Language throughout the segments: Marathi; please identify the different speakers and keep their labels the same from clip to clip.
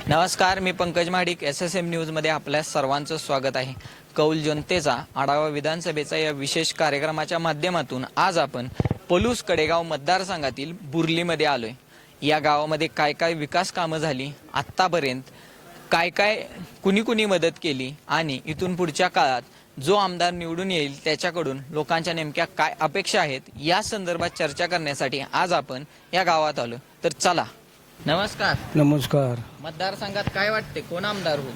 Speaker 1: नमस्कार, मी पंकज महाडिक. SSM न्यूजमध्ये आपल्या सर्वांचं स्वागत आहे. कौल जनतेचा आढावा विधानसभेचा या विशेष कार्यक्रमाच्या माध्यमातून आज आपण पलूस कडेगाव मतदारसंघातील बुर्लीमध्ये आलोय. या गावामध्ये काय काय विकास कामं झाली, आत्तापर्यंत काय काय कुणी मदत केली आणि इथून पुढच्या काळात जो आमदार निवडून येईल त्याच्याकडून लोकांच्या नेमक्या काय अपेक्षा आहेत या संदर्भात चर्चा करण्यासाठी आज आपण या गावात आलो. तर चला. नमस्कार.
Speaker 2: नमस्कार.
Speaker 1: मतदारसंघात काय वाटते, कोण आमदार होईल?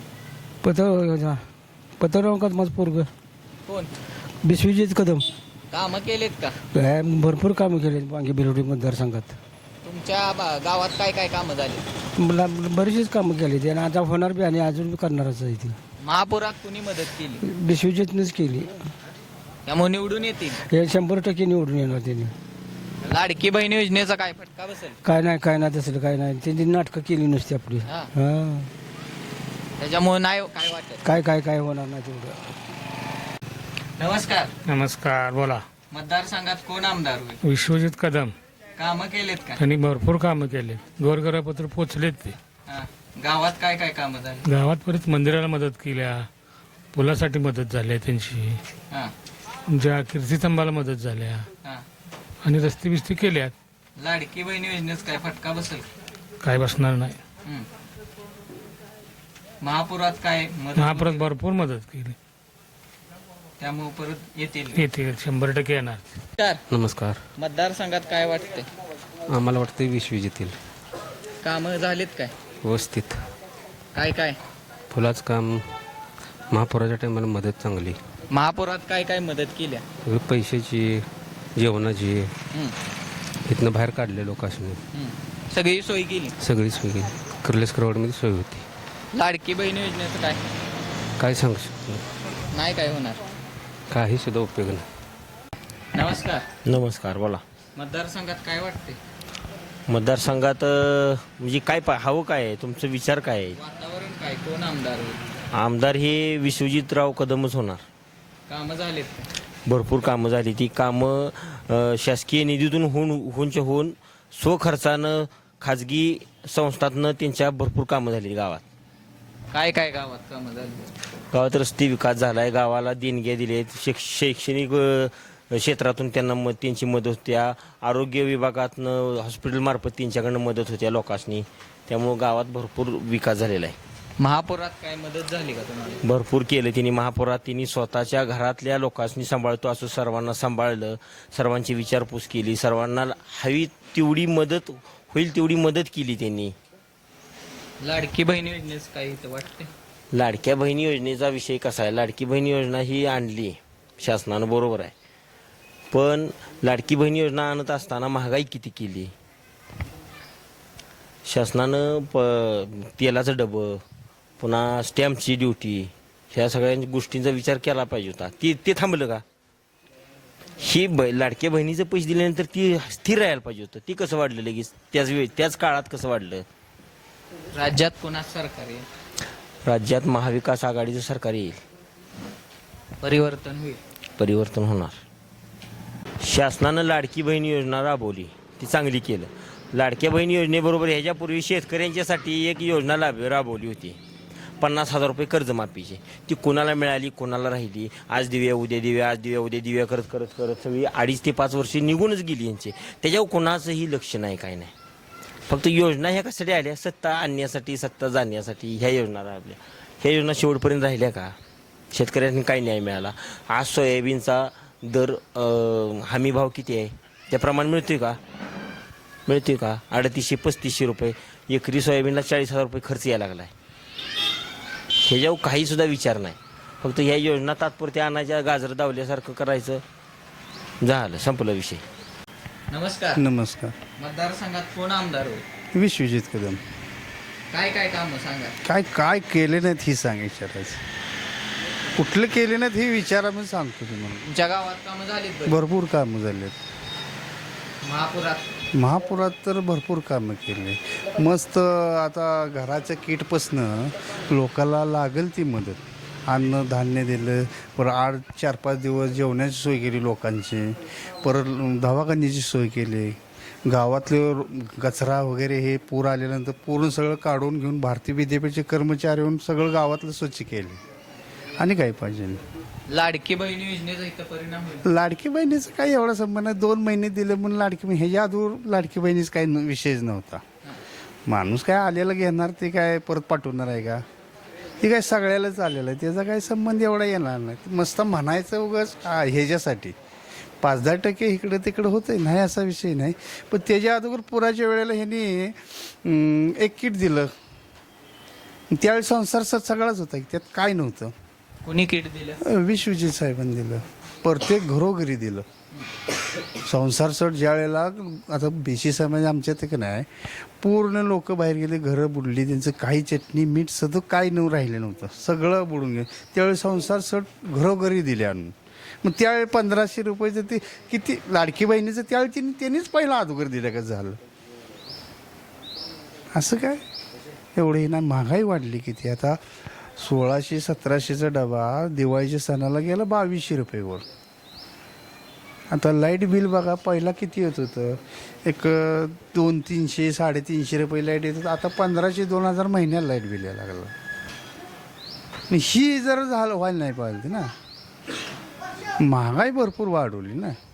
Speaker 2: पत्रकात माझं पोरग
Speaker 1: कोण?
Speaker 2: विश्वजित कदम.
Speaker 1: कामं केलेत का?
Speaker 2: भरपूर कामं केले वांगी बिरोडी मतदारसंघात.
Speaker 1: तुमच्या गावात काय काय कामं झाली?
Speaker 2: मला बरीचशीच कामं केली ते आणि आता होणार बी आणि अजून बी करणारच आहे ती.
Speaker 1: महापुरात कुणी मदत केली?
Speaker 2: विश्वजितनेच केली.
Speaker 1: त्यामुळे निवडून येतील.
Speaker 2: हे 100% निवडून येणार त्यांनी.
Speaker 1: लाडकी बहीण योजनेचा काय फटका बसेल?
Speaker 2: काय नाही तसलं काय नाही. त्यांनी नाटकं केली नुसती आपली.
Speaker 1: हा.
Speaker 2: हा.
Speaker 1: त्याच्यामुळे नाही काय वाटत.
Speaker 2: काय होणार नाही तेवढं.
Speaker 1: नमस्कार.
Speaker 3: नमस्कार. बोला.
Speaker 1: मतदारसंघात कोण आमदार होईल?
Speaker 3: विश्वजित कदम.
Speaker 1: कामं केलेत का?
Speaker 3: त्यांनी भरपूर कामं केले. घरघरापत्र पोचलेत ते.
Speaker 1: हा. गावात काय काय कामं झाली?
Speaker 3: गावात परत मंदिराला मदत केल्या, पुलासाठी मदत झाली त्यांची,
Speaker 1: हा.
Speaker 3: ज्या कीर्तिस्तंभाला मदत झाल्या
Speaker 1: हा.
Speaker 3: आणि रस्ते बिस्ते केल्यात.
Speaker 1: लाडकी बहीण योजनेचा काय फटका बसेल?
Speaker 3: काय बसणार नाही.
Speaker 1: हम्म. महापुरात काय मदत?
Speaker 3: महापुरात भरपूर मदत केली.
Speaker 1: त्यामुळे परत येतील.
Speaker 3: येते 100% येणार.
Speaker 1: नमस्कार.
Speaker 4: नमस्कार.
Speaker 1: मतदारसंघात काय वाटते?
Speaker 4: आम्हाला वाटतं विश्वजित येईल.
Speaker 1: कामं झालीत काय?
Speaker 4: व्यवस्थित.
Speaker 1: काय काय?
Speaker 4: फुलाचं काम, महापुराच्या टायमाला मदत चांगली.
Speaker 1: महापुरात काय काय मदत केल्या?
Speaker 4: पैशाची, जेवणाची,
Speaker 1: हम्म.
Speaker 4: इथनं बाहेर काढले लोकांनी
Speaker 1: हम्म. सगळी सोय केली.
Speaker 4: सगळी सोय केली. कर्लेसकरवाडमध्ये सोय होती.
Speaker 1: लाडकी बहीण योजनेचं काय?
Speaker 4: काय सांगू शकतो,
Speaker 1: नाही काय होणार.
Speaker 4: काही सुद्धा उपयोग नाही.
Speaker 1: नमस्कार.
Speaker 5: नमस्कार. बोला.
Speaker 1: मतदारसंघात काय वाटते?
Speaker 5: मतदारसंघात म्हणजे काय हवं काय आहे, तुमचा विचार काय आहे?
Speaker 1: वातावरण काय, कोण आमदार होईल?
Speaker 5: आमदार हे विश्वजितराव कदमच होणार.
Speaker 1: कामं झालेत का?
Speaker 5: भरपूर कामं झाली. ती कामं शासकीय निधीतून होऊन स्वखर्चानं खाजगी संस्थातनं त्यांच्या भरपूर कामं झाली. गावात
Speaker 1: काय काय गावात कामं झाली?
Speaker 5: गावात रस्ते विकास झाला आहे, गावाला देणग्या दिल्या आहेत, शैक्षणिक क्षेत्रातून त्यांना त्यांची मदत होत्या, आरोग्य विभागातनं हॉस्पिटलमार्फत त्यांच्याकडनं मदत होत्या लोकांनी. त्यामुळं गावात भरपूर विकास झालेला आहे.
Speaker 1: महापुरात काय मदत झाली का तुम्हाला?
Speaker 5: भरपूर केलं त्यांनी. महापुरात त्यांनी स्वतःच्या घरातल्या लोकांनी सांभाळतो असं सर्वांना सांभाळलं, सर्वांची विचारपूस केली, सर्वांना हवी तेवढी मदत होईल तेवढी मदत केली त्यांनी.
Speaker 1: लाडकी बहीण योजनेचं काय इथं वाटते?
Speaker 5: लाडक्या बहिणी योजनेचा विषय कसा आहे, लाडकी बहीण योजना ही आणली शासनानं, बरोबर आहे, पण लाडकी बहीण योजना आणत असताना महागाई किती केली शासनानं. तेलाचं डबं, पुन्हा स्टॅम्पची ड्युटी, ह्या सगळ्या गोष्टींचा विचार केला पाहिजे होता. ते थांबलं का? ही लाडक्या बहिणीचे पैसे दिल्यानंतर ती स्थिर राहायला पाहिजे होतं. ती कसं वाढलं लगेच त्याच काळात कसं वाढलं?
Speaker 1: राज्यात कोणाच सरकार आहे?
Speaker 5: राज्यात महाविकास आघाडीचं सरकार येईल.
Speaker 1: परिवर्तन होईल.
Speaker 5: परिवर्तन होणार. शासनानं लाडकी बहीण योजना राबवली, ती चांगली केलं. लाडक्या बहीण योजनेबरोबर ह्याच्यापूर्वी शेतकऱ्यांच्यासाठी एक योजना राबवली होती, 50,000 रुपये कर्जमाफीची. ती कोणाला मिळाली, कोणाला राहिली? आज देऊया उद्या देऊया, आज देऊया उद्या देऊया करत करत करत सगळी 2.5 ते 5 वर्षे निघूनच गेली यांची. त्याच्यावर कोणाचंही लक्ष नाही, काय नाही. फक्त योजना ह्या कशासाठी आल्या? सत्ता आणण्यासाठी, सत्ता जाण्यासाठी ह्या योजना राबल्या. ह्या योजना शेवटपर्यंत राहिल्या का? शेतकऱ्यांनी काय न्याय मिळाला? आज सोयाबीनचा दर हमी भाव किती आहे, त्याप्रमाणे मिळतोय का? 350-3500 रुपये एकरी सोयाबीनला 40,000 रुपये खर्च यायला लागला आहे. ह्याच्यावर काही सुद्धा विचार नाही. फक्त ह्या योजना तात्पुरत्या आणायच्या, गाजर दावल्यासारखं करायचं, झालं, संपला विषय.
Speaker 1: नमस्कार.
Speaker 2: नमस्कार.
Speaker 1: मतदारसंघात कोण आमदार होईल?
Speaker 2: विश्वजित कदम.
Speaker 1: काय काय कामं सांगा?
Speaker 2: काय केले नाहीत ही सांग विचारायचं. कुठले केले नाहीत हे विचारा, मी सांगतो तुम्हाला.
Speaker 1: तुमच्या गावात कामं झालीत बरी?
Speaker 2: भरपूर कामं झालेत. महापुरात तर भरपूर कामं केली. मस्त. आता घराच्या किटपासनं लोकांना लागेल ती मदत, अन्न धान्य दिलं. परत 4-5 दिवस जेवणाची सोय केली लोकांची. परत दवाखान्याची सोय केली. गावातले कचरा वगैरे हे पूर आल्यानंतर पूर्ण सगळं काढून घेऊन भारतीय विद्यापीठचे कर्मचारी येऊन सगळं गावातलं स्वच्छ केले. आणि काय पाहिजे.
Speaker 1: लाडकी बहीण योजनेचा इथं परिणाम होईल.
Speaker 2: लाडकी बहिणीचं काही एवढा संबंध नाही. 2 महिने दिले म्हणून लाडकी बहीण, ह्याच्या अगोदर लाडकी बहिणीच काही विषयच नव्हता. माणूस काय आलेलं घेणार ते काय परत पाठवणार आहे का. ते काय सगळ्यालाच आलेलं आहे, त्याचा काही संबंध एवढा येणार नाही. मस्त म्हणायचं उगाच ह्याच्यासाठी 5-10% इकडं तिकडं होतंय, नाही असा विषय नाही. पण त्याच्या अगोदर पुराच्या वेळेला ह्यांनी एक किट दिलं. त्यावेळी संसार सगळाच होता, त्यात काय नव्हतं.
Speaker 1: कुणी किट दिलं?
Speaker 2: विश्वजित साहेबांनी दिलं, प्रत्येक घरोघरी दिलं. संसार सट ज्या वेळेला आता BC समाज आमच्या ते नाही, पूर्ण लोक बाहेर गेले, घरं बुडली, त्यांचं काही चटणी मीठ सगळं काही राहिलं नव्हतं, सगळं बुडून गेलं. त्यावेळी संसार सट घरोघरी दिले आणून. मग त्यावेळी 1500 रुपयाचं ते किती लाडकी बहिणीचं त्यावेळी त्यांनीच पहिला अगोदर दिलं का झालं. असं काय एवढं ना. महागाई वाढली किती. आता 1600-1700चा डबा दिवाळीच्या सणाला गेला 2200 रुपयेवर. आता लाईट बिल बघा, पहिला किती येत होतं, एक 200-300 350 रुपये लाईट येत होतं. आता 1500-2000 महिन्याला लाईट बिल यायला लागलं. ही जर झालं व्हायला नाही पाहिजे ना. महागाई भरपूर वाढवली ना.